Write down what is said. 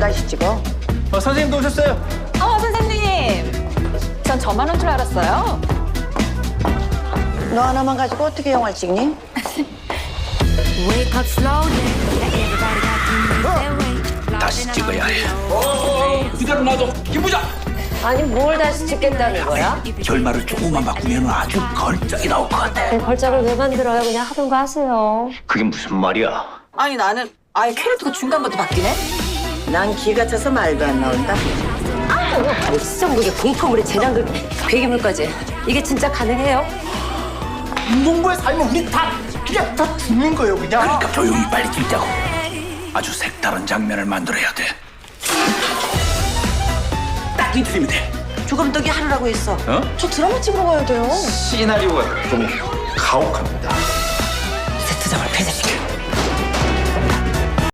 다시 찍어? 선생님도 오셨어요. 선생님. 전 저만 온 줄 알았어요. 너 하나만 가지고 어떻게 영화를 찍니? Wake up slowly. Everybody got to move their way. 다시 찍어야 해. 기다려 놔둬. 김부장. 아니 뭘 다시 찍겠다는 거야? 결말을 조금만 바꾸면 아주 걸작이 나올 것 같아. 걸작을 왜 만들어요? 그냥 하던 거 하세요. 그게 무슨 말이야? 아니 나는 아예 캐릭터가 중간부터 바뀌네. 난 기가 차서 말도 안 나온다. 시청국에 공포물에 재난극 괴기물까지 이게 진짜 가능해요? 인공부에 살면 우리 다 그냥 다 죽는 거예요 그냥. 그러니까 조용히 빨리 찍자고. 아주 색다른 장면을 만들어야 돼. 딱 이틀이면 돼. 조감독이 하루라고 했어. 저 드라마 찍으러 가야 돼요. 시나리오가 좀 가혹합니다.